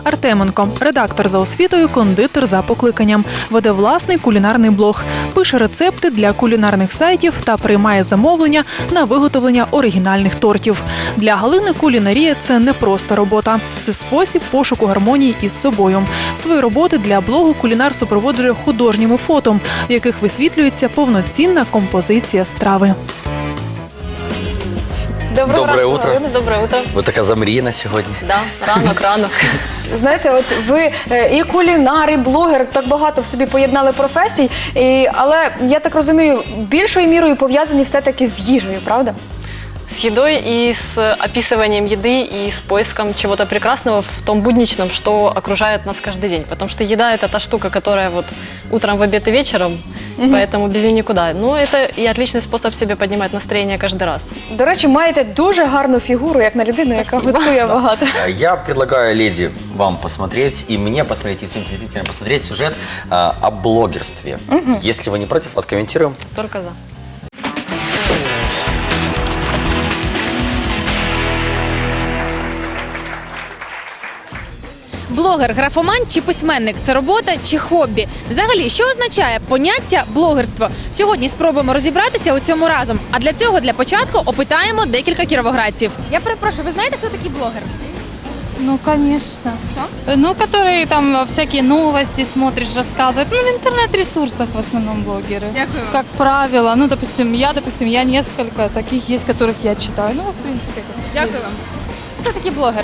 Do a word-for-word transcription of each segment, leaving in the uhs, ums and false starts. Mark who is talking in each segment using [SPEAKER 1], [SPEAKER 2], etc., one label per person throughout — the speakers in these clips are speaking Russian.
[SPEAKER 1] Артеменко – редактор за освітою, кондитер за покликанням. Веде власний кулінарний блог, пише рецепти для кулінарних сайтів та приймає замовлення на виготовлення оригінальних тортів. Для Галини кулінарія – це не просто робота. Це спосіб пошуку гармонії із собою. Свої роботи для блогу кулінар супроводжує художніми фото, в яких висвітлюється повноцінна композиція страви.
[SPEAKER 2] Доброго
[SPEAKER 3] Доброе
[SPEAKER 2] ранку,
[SPEAKER 3] утро.
[SPEAKER 2] Галина, доброе утро.
[SPEAKER 3] Ви така замріяна сьогодні.
[SPEAKER 2] Да, ранок, ранок. Знаєте, от ви е, і кулінар, і блогер, так багато в собі поєднали професій, і, але, я так розумію, більшою мірою пов'язані все-таки з їжею, правда?
[SPEAKER 4] С едой и с описыванием еды и с поиском чего-то прекрасного в том будничном, что окружает нас каждый день. Потому что еда – это та штука, которая вот утром, в обед и вечером, угу. Поэтому без нее никуда. Но это и отличный способ себе поднимать настроение каждый раз.
[SPEAKER 2] До речі, маєте дуже гарну фігуру, як на людину, яка
[SPEAKER 4] Спасибо.
[SPEAKER 2] готує багато.
[SPEAKER 3] Я предлагаю, леди, вам посмотреть, и мне посмотреть, и всем телезрителям посмотреть сюжет а, о блогерстве. Угу. Если вы не против, откомментируем.
[SPEAKER 4] Только за.
[SPEAKER 5] Блогер, графоман чи письменник – це робота чи хобі? Взагалі, що означає поняття блогерство? Сьогодні спробуємо розібратися у цьому разом. А для цього, для початку, опитаємо декілька кіровоградців. Я перепрошую, ви знаєте, хто такий блогер?
[SPEAKER 6] Ну, конечно.
[SPEAKER 5] Кто?
[SPEAKER 6] Ну, которые там всякие новости смотришь, рассказывают. Ну, в интернет-ресурсах в основном блогеры.
[SPEAKER 5] Дякую вам.
[SPEAKER 6] Как правило. Ну, допустим, я, допустим, я несколько таких есть, которых я читаю. Ну, в принципе, как все.
[SPEAKER 5] Дякую вам. Хто такий блогер?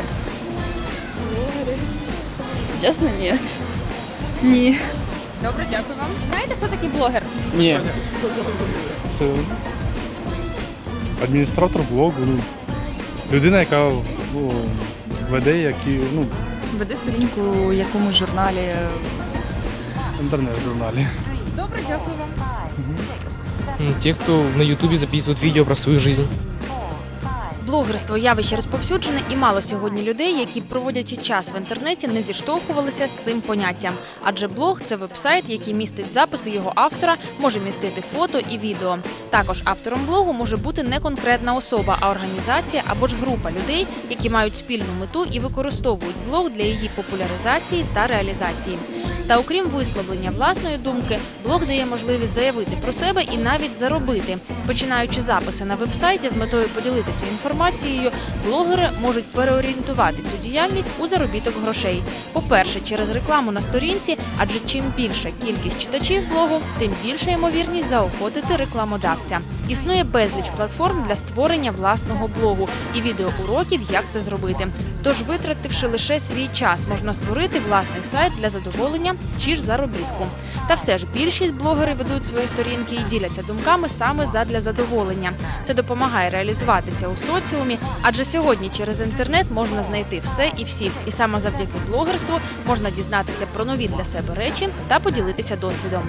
[SPEAKER 7] Чесно, ні. Ні.
[SPEAKER 5] Добре, дякую вам. Знаєте, хто такий блогер?
[SPEAKER 8] Ні. Це адміністратор блогу, ну, людина, яка ну, веде які, ну,
[SPEAKER 7] Веди сторінку у якомусь журналі.
[SPEAKER 8] інтернет-журналі.
[SPEAKER 5] Добре, дякую вам.
[SPEAKER 9] Те, кто на ютубе записывают видео про свою жизнь.
[SPEAKER 5] Блогерство – явище розповсюджене, і мало сьогодні людей, які, проводячи час в інтернеті, не зіштовхувалися з цим поняттям. Адже блог – це веб-сайт, який містить записи його автора, може містити фото і відео. Також автором блогу може бути не конкретна особа, а організація або ж група людей, які мають спільну мету і використовують блог для її популяризації та реалізації. Та окрім висловлення власної думки, блог дає можливість заявити про себе і навіть заробити. Починаючи записи на веб-сайті з метою поділитися інформацією, блогери можуть переорієнтувати цю діяльність у заробіток грошей. По-перше, через рекламу на сторінці, адже чим більша кількість читачів блогу, тим більша ймовірність заохотити рекламодавця. Існує безліч платформ для створення власного блогу і відеоуроків, як це зробити. Тож, витративши лише свій час, можна створити власний сайт для задоволення чи ж заробітку. Та все ж більшість блогерів ведуть свої сторінки і діляться думками саме задля задоволення. Це допомагає реалізуватися у соціумі, адже сьогодні через інтернет можна знайти все і всіх. І саме завдяки блогерству можна дізнатися про нові для себе речі та поділитися досвідом.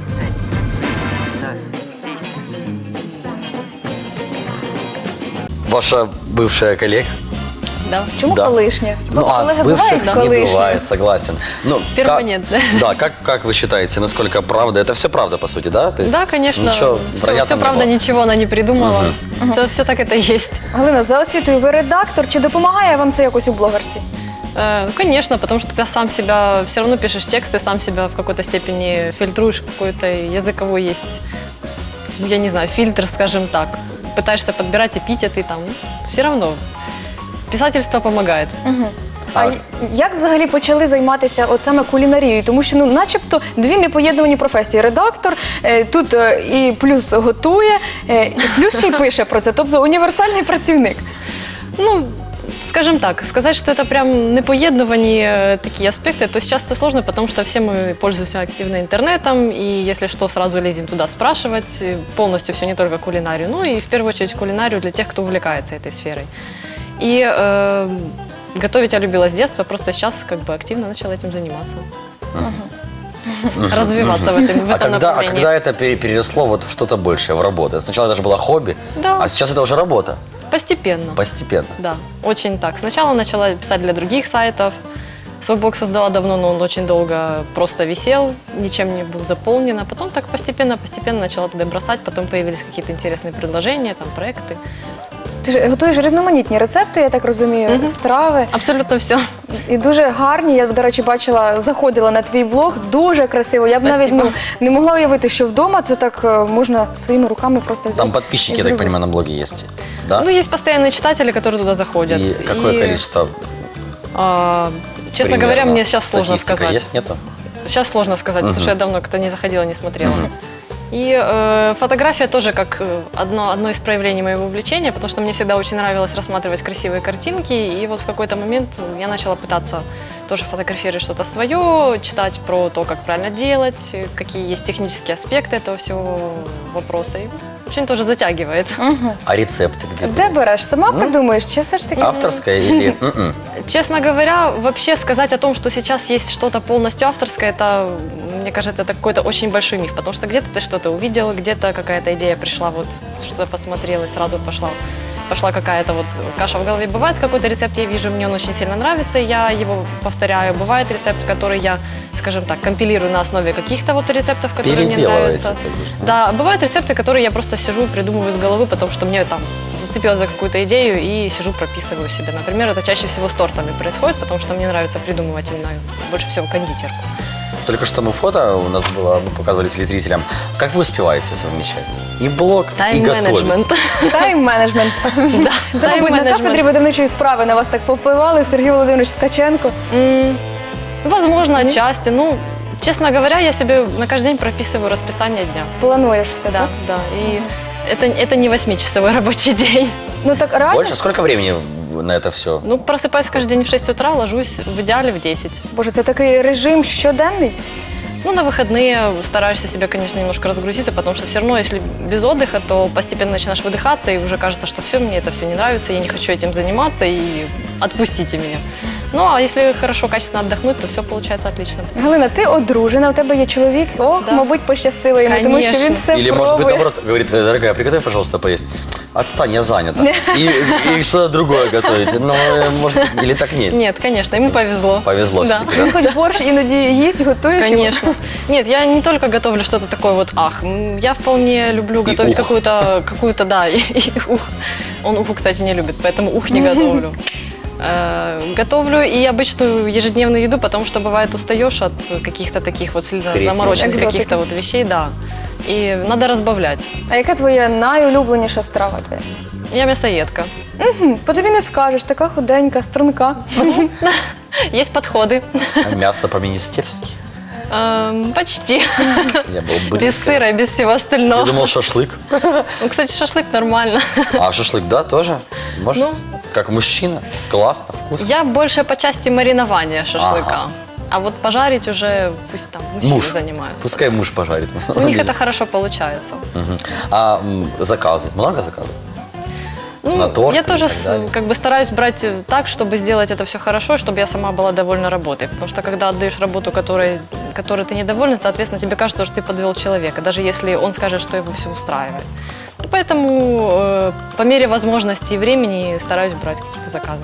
[SPEAKER 3] Ваша бывшая коллега?
[SPEAKER 4] Да.
[SPEAKER 2] Чому
[SPEAKER 3] Да.
[SPEAKER 2] колишня?
[SPEAKER 3] Ну, а
[SPEAKER 2] Колеги
[SPEAKER 3] бывших
[SPEAKER 2] бувають
[SPEAKER 3] не
[SPEAKER 2] колишні.
[SPEAKER 3] бывает, согласен. Ну,
[SPEAKER 4] Перманентно.
[SPEAKER 3] Как, да, как, как вы считаете, насколько правда? Это все правда, по сути, да? То есть
[SPEAKER 4] Да, конечно.
[SPEAKER 3] Ничего
[SPEAKER 4] все,
[SPEAKER 3] вранья
[SPEAKER 4] все
[SPEAKER 3] там не
[SPEAKER 4] правда,
[SPEAKER 3] было?
[SPEAKER 4] ничего она не придумала. Все, все так это и есть.
[SPEAKER 2] Галина, за освітою ви редактор, чи допомагає вам це якось у блогерстві?
[SPEAKER 4] Э, Ну, конечно, потому что ты сам себя, все равно пишешь тексты, сам себя в какой-то степени фильтруешь, какой-то языковой есть, ну, я не знаю, фильтр, скажем так. Пытаешься подбирать эпитеты, там, ну, все равно. Писательство помогает.
[SPEAKER 2] Угу. А
[SPEAKER 3] А-
[SPEAKER 2] й- як взагалі почали займатися от саме кулінарією? Тому що, ну, начебто, дві непоєднувані професії. Редактор, е, тут е, і плюс готує, е, і плюс ще й пише про це. Тобто універсальний працівник.
[SPEAKER 4] Ну, скажем так, сказать, что это прям непоедновані э, такие аспекты, то сейчас это сложно, потому что все мы пользуемся активно интернетом, и если что, сразу лезем туда спрашивать, э, полностью все, не только кулинарию, ну и в первую очередь кулинарию для тех, кто увлекается этой сферой. И э, готовить я любила с детства, просто сейчас как бы активно начала этим заниматься. Развиваться в этом, в
[SPEAKER 3] А
[SPEAKER 4] этом
[SPEAKER 3] когда, а
[SPEAKER 4] направлении.
[SPEAKER 3] когда это пере- переросло вот в что-то большее, в работу? Сначала это же было хобби,
[SPEAKER 4] Да.
[SPEAKER 3] а сейчас это уже работа.
[SPEAKER 4] Постепенно.
[SPEAKER 3] Постепенно.
[SPEAKER 4] Да, очень так. Сначала начала писать для других сайтов. Свой блог создала давно, но он очень долго просто висел, ничем не был заполнен. А потом так постепенно-постепенно начала туда бросать. Потом появились какие-то интересные предложения, там, проекты.
[SPEAKER 2] Ти ж готуєш різноманітні рецепти, я так розумію,
[SPEAKER 4] Мгм.
[SPEAKER 2] страви.
[SPEAKER 4] Абсолютно все.
[SPEAKER 2] І дуже гарні. Я, до речі, бачила, заходила на твій блог. Дуже красиво. Я б навіть
[SPEAKER 4] Спасибо.
[SPEAKER 2] ну, не могла уявити, що вдома це так е, можна своїми руками просто взяти.
[SPEAKER 3] Там подписчики,
[SPEAKER 2] і
[SPEAKER 3] я так
[SPEAKER 2] зробити.
[SPEAKER 3] понимаю, на блоге есть, да?
[SPEAKER 4] Ну, есть постоянные читатели, которые туда заходят.
[SPEAKER 3] И какое
[SPEAKER 4] И,
[SPEAKER 3] количество?
[SPEAKER 4] а, честно
[SPEAKER 3] примерно?
[SPEAKER 4] говоря, мне сейчас сложно
[SPEAKER 3] Статистика
[SPEAKER 4] сказать.
[SPEAKER 3] есть, нету?
[SPEAKER 4] Сейчас сложно сказать,
[SPEAKER 3] Мгм.
[SPEAKER 4] потому что я давно как-то не заходила, не смотрела.
[SPEAKER 3] Мгм.
[SPEAKER 4] И э, фотография тоже как э, одно, одно из проявлений моего увлечения, потому что мне всегда очень нравилось рассматривать красивые картинки. И вот в какой-то момент я начала пытаться тоже фотографировать что-то свое, читать про то, как правильно делать, э, какие есть технические аспекты этого всего вопроса. И очень тоже затягивает.
[SPEAKER 2] Мгм.
[SPEAKER 3] А рецепты где?
[SPEAKER 2] Де
[SPEAKER 3] берете?
[SPEAKER 2] береш? Сама
[SPEAKER 3] Ну,
[SPEAKER 2] придумаєш? Чи все ж таки?
[SPEAKER 3] Авторская или... м-м?
[SPEAKER 4] Честно говоря, вообще сказать о том, что сейчас есть что-то полностью авторское, это, мне кажется, это какой-то очень большой миф, потому что где-то ты что-то увидел, где-то какая-то идея пришла, вот что-то посмотрел и сразу пошла, пошла какая-то вот каша в голове. Бывает какой-то рецепт, я вижу, мне он очень сильно нравится, я его повторяю. Бывает рецепт, который я, скажем так, компилирую на основе каких-то вот рецептов, которые мне
[SPEAKER 3] Переделываете,
[SPEAKER 4] нравятся.
[SPEAKER 3] ты говоришь,
[SPEAKER 4] Да, бывают рецепты, которые я просто сижу и придумываю из головы, потому что мне там зацепилась за какую-то идею и сижу, прописываю себе. Например, это чаще всего с тортами происходит, потому что мне нравится придумывать именно больше всего кондитерку.
[SPEAKER 3] Только что мы фото у нас было, мы показывали телезрителям. Как вы успеваете совмещать? И блог, и готовить?
[SPEAKER 4] Тайм-менеджмент.
[SPEAKER 2] Тайм-менеджмент.
[SPEAKER 4] Да,
[SPEAKER 2] Це, мабуть, на кафедрі
[SPEAKER 4] тайм-менеджмент.
[SPEAKER 2] видавничої справи на вас так попливали, Сергій Володимирович Ткаченко.
[SPEAKER 4] М, Возможно,
[SPEAKER 2] Нет?
[SPEAKER 4] отчасти. Ну, честно говоря, я себе на каждый день прописываю расписание дня.
[SPEAKER 2] Плануєш все,
[SPEAKER 4] Да,
[SPEAKER 2] так?
[SPEAKER 4] да. И это, это не восьмичасовой рабочий день.
[SPEAKER 2] Ну так реально?
[SPEAKER 3] Больше? Сколько времени в- на это все?
[SPEAKER 4] Ну, просыпаюсь каждый день в шесть утра, ложусь в идеале в десять.
[SPEAKER 2] Боже, це такий режим щоденний?
[SPEAKER 4] Ну, на выходные стараешься себя, конечно, немножко разгрузиться, потому что все равно, если без отдыха, то постепенно начинаешь выдыхаться, и уже кажется, что все, мне это все не нравится, я не хочу этим заниматься, и отпустите меня. Ну, а если хорошо, качественно отдохнуть, то все получается отлично.
[SPEAKER 2] Галина, ти одружена, у тебе є чоловік. Ох,
[SPEAKER 4] Да.
[SPEAKER 2] мабуть, пощастило йому, тому що він
[SPEAKER 4] Конечно.
[SPEAKER 2] все
[SPEAKER 3] Или,
[SPEAKER 2] пробує.
[SPEAKER 3] может быть, наоборот, говорит, «Э, дорогая, приготовь, пожалуйста, поесть. Отстань, я занята. И, и что-то другое готовить. Ну, э, может, или так нет.
[SPEAKER 4] Нет, конечно, ему повезло.
[SPEAKER 3] Повезло
[SPEAKER 4] Да.
[SPEAKER 3] все-таки,
[SPEAKER 2] Він хоч борщ іноді їсть, готуєш йому?
[SPEAKER 4] Конечно. Нет, я не только готовлю что-то такое вот ах. М, Я вполне люблю готовить
[SPEAKER 3] ух.
[SPEAKER 4] какую-то, какую-то, да, и, и ух. Он уху, кстати, не любит, поэтому ух не готовлю. Э, Готовлю и обычную ежедневную еду, потому что бывает устаешь от каких-то таких вот сильно
[SPEAKER 3] Креативных.
[SPEAKER 4] замороченных
[SPEAKER 2] Экзотики.
[SPEAKER 4] каких-то вот вещей, да. И надо разбавлять.
[SPEAKER 2] А яка твоя найулюбленіша страва твоя?
[SPEAKER 4] Я мясоедка.
[SPEAKER 2] Хм, по тобі не скажеш, така худенька, струнка.
[SPEAKER 4] Есть подходы.
[SPEAKER 3] А мясо по-министерски?
[SPEAKER 4] Эм, Почти.
[SPEAKER 3] Я был бы.
[SPEAKER 4] Без сыра и без всего
[SPEAKER 3] Я
[SPEAKER 4] остального.
[SPEAKER 3] думал, шашлык.
[SPEAKER 4] Ну, кстати, шашлык нормально.
[SPEAKER 3] А шашлык, да, тоже? Может?
[SPEAKER 4] Ну.
[SPEAKER 3] Как мужчина? Классно, вкусно.
[SPEAKER 4] Я больше по части маринования шашлыка.
[SPEAKER 3] Ага.
[SPEAKER 4] А вот пожарить уже пусть там мужчины
[SPEAKER 3] Муж.
[SPEAKER 4] занимаются.
[SPEAKER 3] Пускай муж пожарит. на
[SPEAKER 4] У
[SPEAKER 3] самом
[SPEAKER 4] них
[SPEAKER 3] деле.
[SPEAKER 4] это хорошо получается.
[SPEAKER 3] Мгм. А м, заказы? Много заказов?
[SPEAKER 4] Ну,
[SPEAKER 3] На торты
[SPEAKER 4] я
[SPEAKER 3] и
[SPEAKER 4] тоже
[SPEAKER 3] так
[SPEAKER 4] с-
[SPEAKER 3] далее.
[SPEAKER 4] как бы стараюсь брать э, так, чтобы сделать это все хорошо, чтобы я сама была довольна работой. Потому что когда отдаешь работу, которой, которой ты недоволен, соответственно, тебе кажется, что ты подвел человека, даже если он скажет, что его все устраивает. И поэтому э, по мере возможности и времени стараюсь брать какие-то заказы.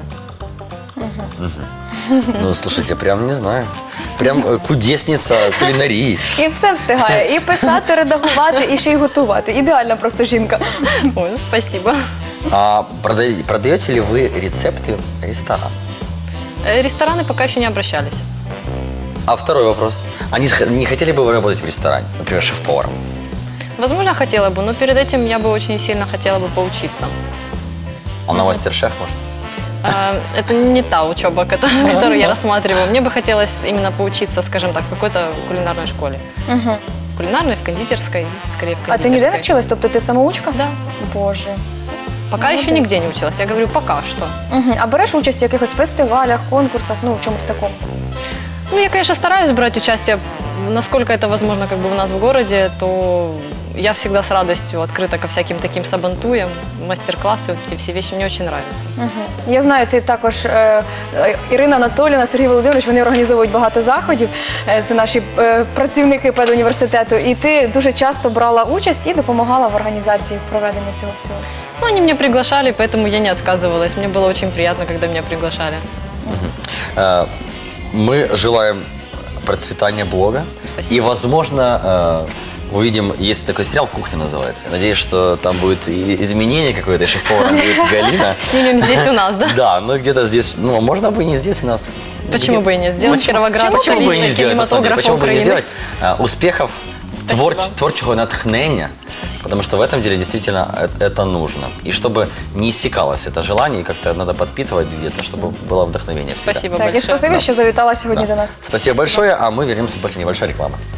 [SPEAKER 3] Ну, слушайте, прям не знаю. Прям э, кудесница кулинарии.
[SPEAKER 2] І все встигає. І писати, редагувати, і ще й готувати. Ідеальна просто жінка.
[SPEAKER 4] Ой, ну, спасибо.
[SPEAKER 3] А прода- продаете ли вы рецепты ресторана?
[SPEAKER 4] Э, Рестораны пока еще не обращались.
[SPEAKER 3] А второй вопрос. А не, х- не хотели бы вы работать в ресторане? Например, шеф-поваром?
[SPEAKER 4] Возможно, хотела бы, но перед этим я бы очень сильно хотела бы поучиться.
[SPEAKER 3] А на мастер-шеф, может?
[SPEAKER 4] А, Это не та учеба, которую, которую я рассматриваю. Мне бы хотелось именно поучиться, скажем так, в какой-то кулинарной школе.
[SPEAKER 2] Угу.
[SPEAKER 4] В кулинарной, в кондитерской, скорее в
[SPEAKER 2] А
[SPEAKER 4] кондитерской.
[SPEAKER 2] ти ніде не вчилась? Тобто ти самоучка?
[SPEAKER 4] Да.
[SPEAKER 2] Боже.
[SPEAKER 4] Пока еще
[SPEAKER 2] Молодец.
[SPEAKER 4] нигде не училась. Я говорю, пока что.
[SPEAKER 2] Угу. А береш участь в якихось фестивалях, конкурсах, ну, в чомусь такому?
[SPEAKER 4] Ну, я, конечно, стараюсь брать участие, насколько это возможно как бы у нас в городе, то я всегда с радостью открыта ко всяким таким сабантуям, мастер-классы, вот эти все вещи мне очень нравятся.
[SPEAKER 2] Угу. Я знаю, ти також, е, е, Ірина Анатоліївна, Сергій Володимирович, вони організовують багато заходів, е, це наші е, працівники педуніверситету, і ти дуже часто брала участь і допомагала в організації проведення цього всього.
[SPEAKER 4] Ну, они меня приглашали, поэтому я не отказывалась. Мне было очень приятно, когда меня приглашали.
[SPEAKER 3] Э, Мы желаем процветания блога
[SPEAKER 4] Спасибо.
[SPEAKER 3] и, возможно, э, увидим, есть такой сериал «Кухня» называется. Надеюсь, что там будет и изменение какое-то, шеф-поваром будет Галина.
[SPEAKER 4] Снимем здесь у нас, да?
[SPEAKER 3] Да, ну где-то здесь, ну, можно бы и не здесь у нас.
[SPEAKER 4] Почему
[SPEAKER 3] Где-
[SPEAKER 4] бы и не сделать?
[SPEAKER 3] Почему-
[SPEAKER 4] Кировоград,
[SPEAKER 3] Почему бы и не
[SPEAKER 4] столица
[SPEAKER 3] сделать, на самом деле,
[SPEAKER 4] кинематографа
[SPEAKER 3] почему бы и не
[SPEAKER 4] Украины.
[SPEAKER 3] сделать? А, Успехов, твор,
[SPEAKER 4] Спасибо.
[SPEAKER 3] творчего натхнения, потому что в этом деле действительно э- это нужно. И чтобы не иссякалось это желание, и как-то надо подпитывать где-то, чтобы было вдохновение всегда.
[SPEAKER 4] Спасибо
[SPEAKER 2] Так, і
[SPEAKER 4] большое.
[SPEAKER 2] спасибі, що завітала сьогодні
[SPEAKER 3] Да.
[SPEAKER 2] до нас.
[SPEAKER 3] Спасибо большое, а мы вернемся после небольшой рекламы.